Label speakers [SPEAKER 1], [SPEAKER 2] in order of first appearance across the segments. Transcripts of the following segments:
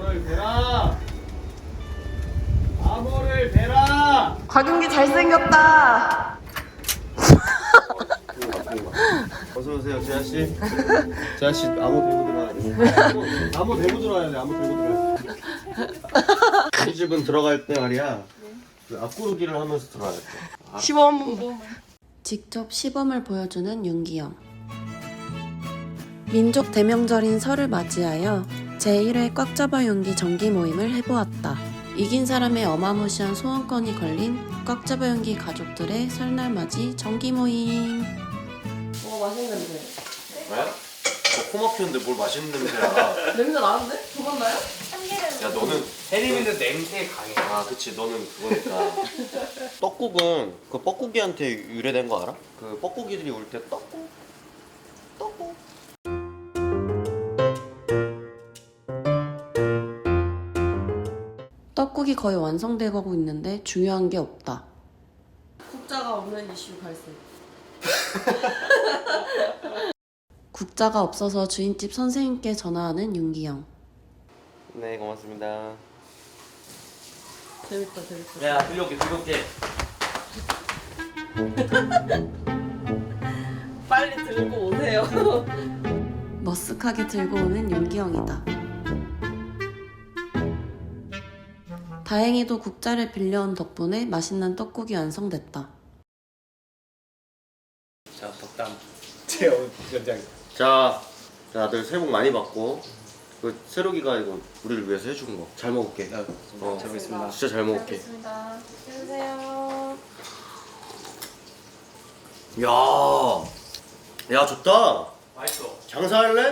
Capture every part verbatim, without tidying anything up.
[SPEAKER 1] 암호를 베라. 암호를 베라.
[SPEAKER 2] 곽윤기 잘생겼다.
[SPEAKER 1] 어서 오세요, 재하 씨. 재하 씨 암호 들고 들어와야 돼. 암호 들고 들어와야 돼. 암호 들고 들어와야 돼. 우리 집은 들어갈 때 말이야. 그 앞구르기를 하면서 들어와야 돼.
[SPEAKER 2] 시범.
[SPEAKER 3] 직접 시범을 보여주는 윤기영. 민족 대명절인 설을 맞이하여 제일 회 꽉 잡아 연기 정기 모임을 해보았다. 이긴 사람의 어마무시한 소원권이 걸린 꽉 잡아 연기 가족들의 설날 맞이 정기 모임.
[SPEAKER 2] 오, 맛있는 냄새.
[SPEAKER 1] 왜? 너 코 막히는데 뭘 맛있는 냄새야?
[SPEAKER 2] 냄새 나는데? 도망나요?
[SPEAKER 1] 야 너는
[SPEAKER 4] 혜림이는 냄새에 강해.
[SPEAKER 1] 아 그치 너는 그거니까. 떡국은 그 뻐꾸기한테 유래된 거 알아? 그 뻐꾸기들이 울 때 떡국 떡국
[SPEAKER 3] 떡국이 거의 완성돼가고 있는데 중요한 게 없다.
[SPEAKER 2] 국자가 없는 이슈 발생.
[SPEAKER 3] 국자가 없어서 주인집 선생님께 전화하는 윤기영.
[SPEAKER 1] 네 고맙습니다.
[SPEAKER 2] 재밌다, 재밌다.
[SPEAKER 4] 야, 들려올게, 들려올게.
[SPEAKER 2] 빨리 들고 오세요.
[SPEAKER 3] 머쓱하게 들고 오는 윤기영이다. 다행히도 국자를 빌려온 덕분에 맛있는 떡국이 완성됐다.
[SPEAKER 4] 자, 덕담. 제 연장.
[SPEAKER 1] 자 다들 새해 복 많이 받고 그 새로기가 이거 우리를 위해서 해준 거 잘 먹을게.
[SPEAKER 4] 어, 잘 먹겠습니다.
[SPEAKER 1] 진짜 잘 먹을게.
[SPEAKER 2] 알겠습니다. 드세요.
[SPEAKER 1] 야, 야 좋다.
[SPEAKER 4] 맛있어.
[SPEAKER 1] 장사할래?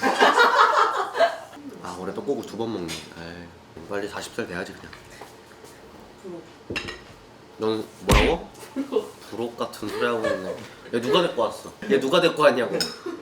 [SPEAKER 1] 아 올해 떡국을 두 번 먹네. 에이, 빨리 마흔 살 돼야지 그냥. 넌 뭐라고? 부록 같은 소리 하고 있네. 얘 누가 데리고 왔어? 얘 누가 데리고 왔냐고.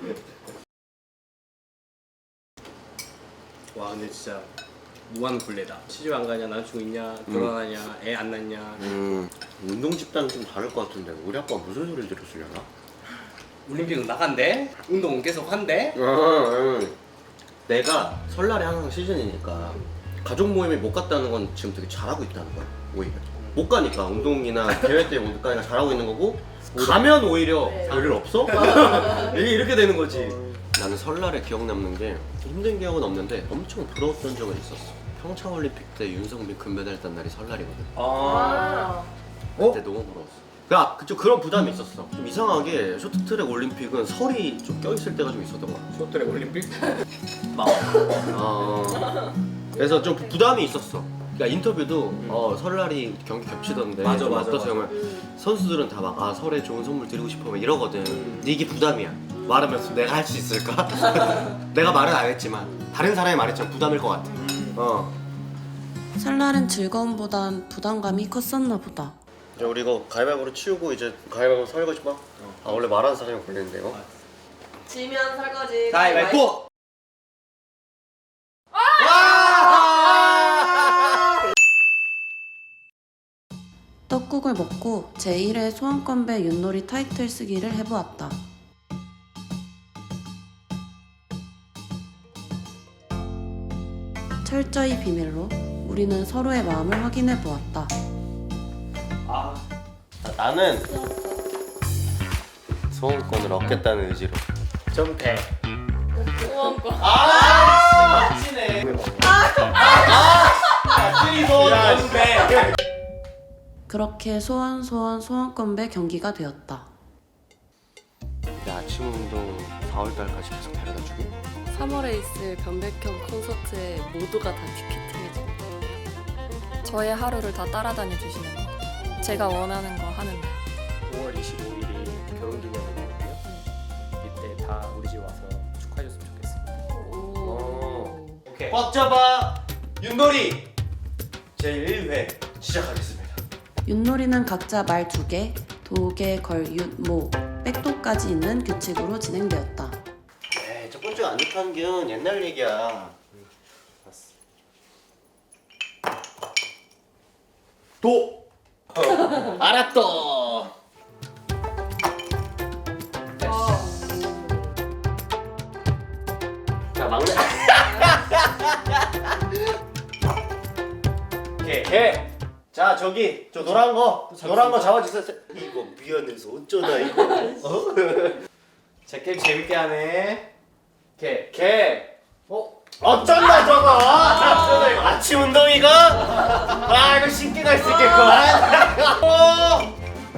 [SPEAKER 4] 와, 근데 진짜 무한 굴레다. 시집 안 가냐, 남자친구 있냐, 결혼하냐, 애 안 낳냐.
[SPEAKER 1] 음 운동 집단은 좀 다를 것 같은데 우리 아빠 무슨 소리를 들었으려나?
[SPEAKER 4] 올림픽 나간대? 운동 계속 한대?
[SPEAKER 1] 응, 응. 내가 설날에 항상 시즌이니까 가족 모임에 못 갔다는 건 지금 되게 잘하고 있다는 거야 오히려. 못 가니까 운동이나 대회 때 못 가니까 잘하고 있는 거고 가면 오히려 별일 없어? 이게 이렇게 되는 거지. 나는 설날에 기억 남는 게 힘든 기억은 없는데 엄청 부러웠던 적은 있었어. 평창올림픽 때 윤성빈 금메달 딴 날이 설날이거든.
[SPEAKER 4] 아.
[SPEAKER 1] 그때 너무 부러웠어. 야, 그쪽 그런 부담이 있었어. 좀 이상하게 쇼트트랙 올림픽은 설이 좀 껴있을 때가 좀 있었던 것 같아.
[SPEAKER 4] 쇼트랙 올림픽? 막.
[SPEAKER 1] 아, 그래서 좀 부- 부담이 있었어. 그러니까 인터뷰도 어, 설날이 경기 겹치던데
[SPEAKER 4] 맞아,
[SPEAKER 1] 좀
[SPEAKER 4] 맞아,
[SPEAKER 1] 어떠세요?
[SPEAKER 4] 맞아.
[SPEAKER 1] 그러면 선수들은 다 막 아 설에 좋은 선물 드리고 싶어 막 이러거든.
[SPEAKER 4] 음.
[SPEAKER 1] 근데 이게 부담이야. 말하면서 내가 할 수 있을까? 내가 말은 안 했지만 다른 사람이 말했지만 부담일 것 같아. 어.
[SPEAKER 3] 설날은 즐거움보단 부담감이 컸었나 보다.
[SPEAKER 1] 이제 우리 이거 가위바위보로 치우고 이제 가위바위보 설거지 봐. 아 원래 말하는 사람이 걸리는데 이거.
[SPEAKER 2] 지면 설거지.
[SPEAKER 4] 가위바위보!
[SPEAKER 3] 떡국을 먹고 제일 회 소원건배 윷놀이 타이틀 쓰기를 해보았다. 철저히 비밀로 우리는 서로의 마음을 확인해 보았다.
[SPEAKER 4] 아.
[SPEAKER 1] 자, 나는 소원권을 얻겠다는 의지로.
[SPEAKER 4] 좀 돼.
[SPEAKER 2] 소원권.
[SPEAKER 1] 아, 맞지네. 아,
[SPEAKER 4] 좀 돼.
[SPEAKER 3] 그렇게 소원 소원 소원건배 경기가 되었다.
[SPEAKER 1] 야, 아침 운동 사월달까지 계속 데려다 주기?
[SPEAKER 5] 삼월에 있을 변백형 콘서트에 모두가 다 티켓팅 해줘. 저의 하루를 다 따라다녀 주시는 거. 제가 원하는 거 하는 날.
[SPEAKER 4] 오월 이십오일이 결혼기념일이거든요. 이때 다 우리 집 와서 축하해줬으면 좋겠습니다.
[SPEAKER 1] 어.
[SPEAKER 4] 오케이.
[SPEAKER 1] 꽉 잡아 윷놀이 제일 회 시작하겠습니다.
[SPEAKER 3] 윷놀이는 각자 말 두 개, 도개, 걸, 윷, 모, 백도까지 있는 규칙으로 진행되었다.
[SPEAKER 1] 에이, 첫 번째가 안 좋다는 게 옛날 얘기야. 도! 알았어! 자, 막내. 개. 자 저기 저 노란 거 노란 거 잡아주세요. 이거 미안해서 어쩌나 이거. 어? 제 게임 재밌게 하네. 개 개. 어? 어쩐다 저거. 아, 이거 아침 운동이가? 아 이거 신기 날 수 있겠구만. 어.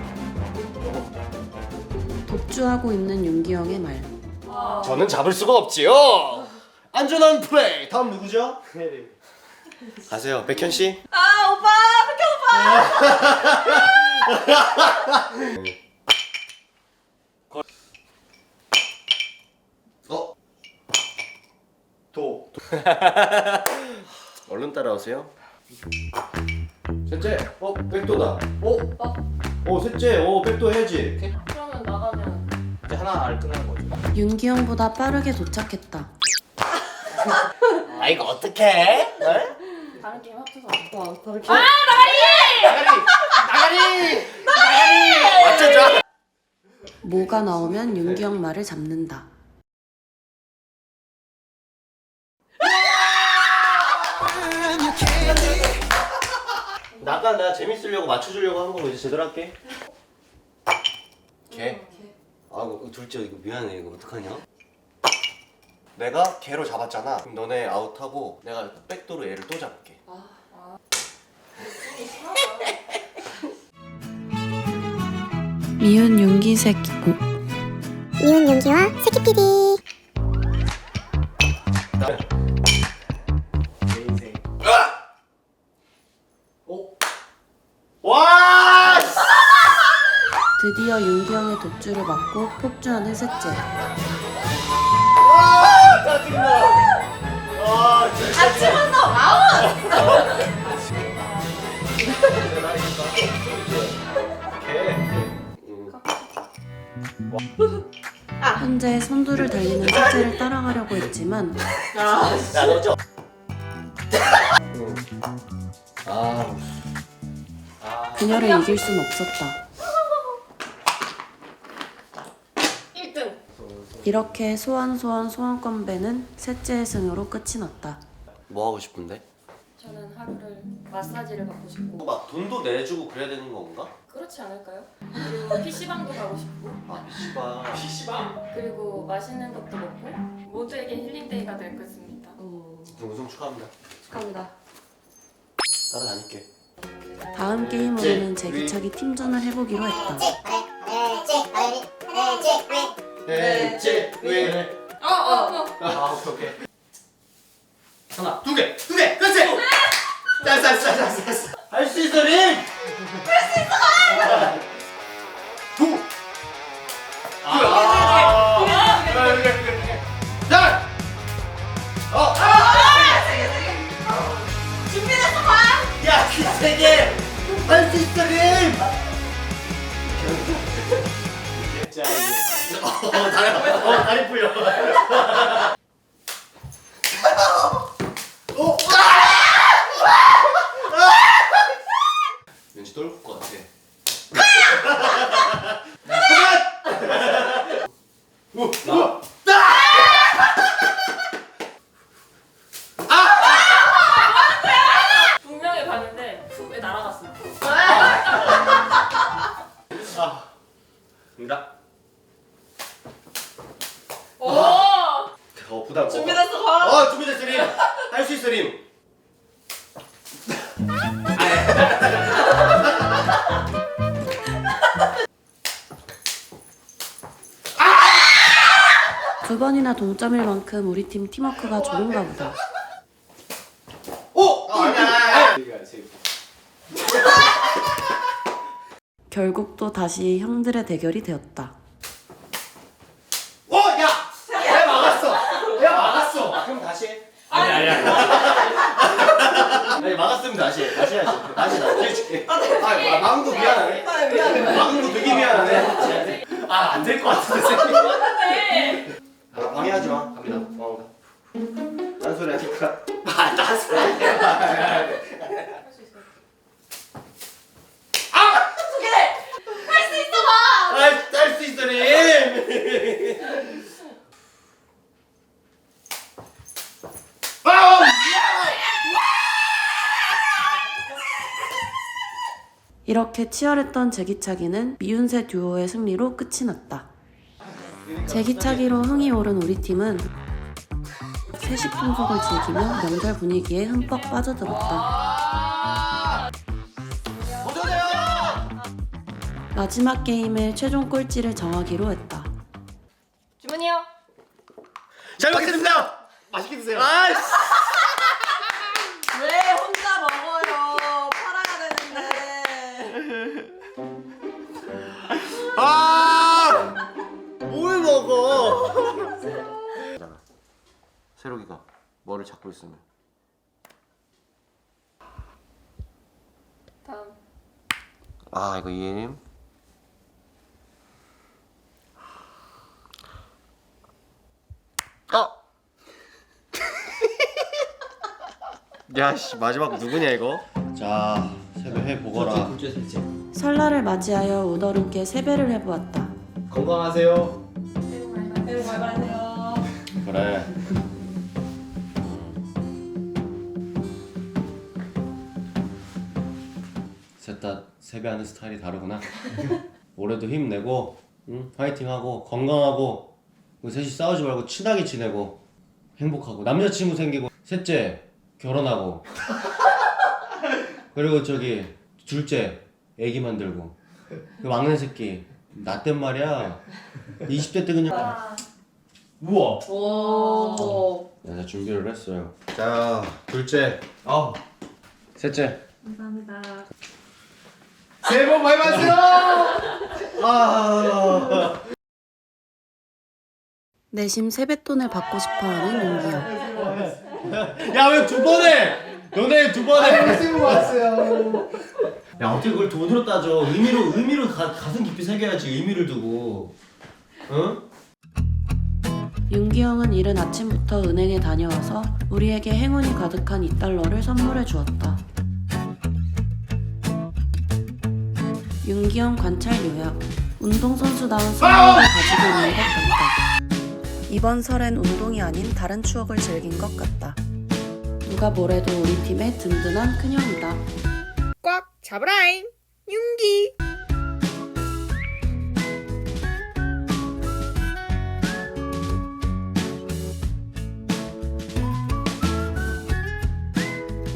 [SPEAKER 3] 독주하고 있는 윤기영의 말.
[SPEAKER 1] 저는 잡을 수가 없지요. 안전한 플레이. 다음 누구죠? 가세요, 백현 씨.
[SPEAKER 2] 아 오빠 백현
[SPEAKER 1] 어? 도. 얼른 따라오세요. 셋째, 어 백도다. 어?
[SPEAKER 2] 어?
[SPEAKER 1] 어 셋째, 어 백도 해야지.
[SPEAKER 2] 오빠. 그러면 나가면
[SPEAKER 4] 이제 하나를 끝내는 거죠.
[SPEAKER 3] 윤기영보다 빠르게 도착했다.
[SPEAKER 1] 아 이거 어떡해? 네?
[SPEAKER 2] 다른 게임 합쳐서 와 다른 게임
[SPEAKER 1] 나가리! 나가리! 나가리! 맞춰줘!
[SPEAKER 3] 뭐가 나오면 윤기영 말을 잡는다.
[SPEAKER 1] 나가 나 재밌으려고 맞춰주려고 한 거고 이제 제대로 할게. 개. 아 이거 둘째 이거 미안해 이거 어떡하냐? 내가 개로 잡았잖아. 그럼 너네 아웃하고 내가 백도로 얘를 또 잡을게.
[SPEAKER 3] 미운 윤기 새끼.
[SPEAKER 6] 미운 윤기와 새끼피디.
[SPEAKER 4] 내 인생.
[SPEAKER 1] 어? 와!
[SPEAKER 3] 드디어 윤기영의 독주를 막고 폭주하는 셋째.
[SPEAKER 1] 아 짜증나. 아 진짜.
[SPEAKER 2] 아침 운동 아웃!
[SPEAKER 3] 현재 선두를 달리는 셋째를 따라가려고 했지만
[SPEAKER 1] 야 너죠? 아.
[SPEAKER 3] 그녀를 이길 순 없었다.
[SPEAKER 2] 일 등
[SPEAKER 3] 이렇게 소환소환 소환건배는 셋째의 승으로 끝이 났다.
[SPEAKER 1] 뭐 하고 싶은데?
[SPEAKER 5] 저는 하루를 마사지를 받고 싶고
[SPEAKER 1] 막 돈도 내주고 그래야 되는 건가?
[SPEAKER 5] 그렇지 않을까요? 그리고 피시방도 가고 싶고
[SPEAKER 1] 아 피시방.
[SPEAKER 4] 피시방?
[SPEAKER 5] 그리고 맛있는 것도 먹고 모두에게 힐링데이가 될 것입니다.
[SPEAKER 1] 우승 축하합니다.
[SPEAKER 2] 축하합니다.
[SPEAKER 1] 따라다닐게.
[SPEAKER 3] 다음 게임으로는 제기차기 팀전을 해보기로 했다.
[SPEAKER 1] 넷째 왜?
[SPEAKER 2] 어어어
[SPEAKER 4] 아 오케이 오케이.
[SPEAKER 1] 하나 두 개, 두 개, 그렇지. 쌀쌀쌀쌀쌀. 할 수 있어 림. 할 수 있어. 두. 아. 그래 그래 그래. 자. 어.
[SPEAKER 2] 준비됐어 봐!
[SPEAKER 1] 야, 그 세 개. 할 수 있어 림.
[SPEAKER 4] 자 이제
[SPEAKER 1] 어, 다리, 어, 다리 풀려. 어, 왠지 떨굴 것 같아. 오, 오,
[SPEAKER 5] 분명히 봤는데 왜 날아갔어?
[SPEAKER 1] 아, 입니다.
[SPEAKER 2] 오!
[SPEAKER 1] 어, 부담.
[SPEAKER 2] 준비됐어 봐!
[SPEAKER 1] 어, 준비됐어 림. 할 수 있어 림.
[SPEAKER 3] 두 번이나 동점일 만큼 우리 팀 팀워크가 좋은가 보다.
[SPEAKER 1] 오, 아, 아니야, 아니야.
[SPEAKER 4] 우리가 지금
[SPEAKER 3] 결국 또 다시 형들의 대결이 되었다.
[SPEAKER 1] 오, 야, 야 막았어. 야 막았어. 그럼 다시 해.
[SPEAKER 4] 아니 아니 아니.
[SPEAKER 1] 아니 막았으면 다시 해. 다시 해야지. 다시 나 기회줄게. 아, 마- 막은 거 미안하네.
[SPEAKER 2] 아 미안해
[SPEAKER 1] 막은 거 되게 미안하네. 아, 안 될 것 같은데.
[SPEAKER 2] 미안해
[SPEAKER 1] 아, 방해하지 마. 갑니다. 어. 딴소리 하니까. 아, 딴소리.
[SPEAKER 2] 할 수 있어 봐!
[SPEAKER 1] 아, 할 수 있어, 님. 아우!
[SPEAKER 3] 이렇게 치열했던 제기차기는 미운새 듀오의 승리로 끝이 났다. 제기차기로 흥이 오른 우리 팀은 세시 풍속을 즐기며 명절 분위기에 흠뻑 빠져들었다. 마지막 게임의 최종 꼴찌를 정하기로 했다.
[SPEAKER 2] 주문이요.
[SPEAKER 1] 잘 먹겠습니다. 맛있게 드세요. 아이씨.
[SPEAKER 2] 왜 혼자 먹어요? 팔아야 되는데.
[SPEAKER 1] 아! 뭘 먹어? 새로기가 뭐를 잡고 있으면
[SPEAKER 5] 다음.
[SPEAKER 1] 아 이거 이해님 어! 야씨 마지막 누구냐 이거? 자 세배 해보거라.
[SPEAKER 3] 설날을 맞이하여 우더름께 세배를 해보았다.
[SPEAKER 1] 건강하세요.
[SPEAKER 2] 새해 복 많이 받으세요.
[SPEAKER 1] 그래. 셋 다 세배하는 스타일이 다르구나. 올해도 힘내고, 응? 화이팅하고 건강하고, 우리 셋이 싸우지 말고 친하게 지내고 행복하고 남자친구 생기고 셋째 결혼하고 그리고 저기 둘째 애기 만들고 그 막내 새끼 나 땐 말이야 이십 대 때 그냥 우와.
[SPEAKER 2] 오.
[SPEAKER 1] 네, 준비를 했어요. 자, 둘째, 어, 셋째.
[SPEAKER 5] 감사합니다.
[SPEAKER 1] 새해 복 많이 받으세요. 아.
[SPEAKER 3] 내심 세뱃돈을 받고 싶어하는 용기형.
[SPEAKER 1] 야, 왜 두 번에? 너네 두 번에. 새해 복 받으세요. 야, 어떻게 그걸 돈으로 따져? 의미로 의미로 가, 가슴 깊이 새겨야지. 의미를 두고. 응?
[SPEAKER 3] 윤기형은 이른 아침부터 은행에 다녀와서 우리에게 행운이 가득한 이 달러를 선물해 주었다. 윤기형 관찰 요약. 운동선수다운 승리를 가지고 있는 것 같다. 이번 설엔 운동이 아닌 다른 추억을 즐긴 것 같다. 누가 뭐래도 우리 팀의 든든한 큰형이다.
[SPEAKER 2] 꽉 잡으라잉. 윤기.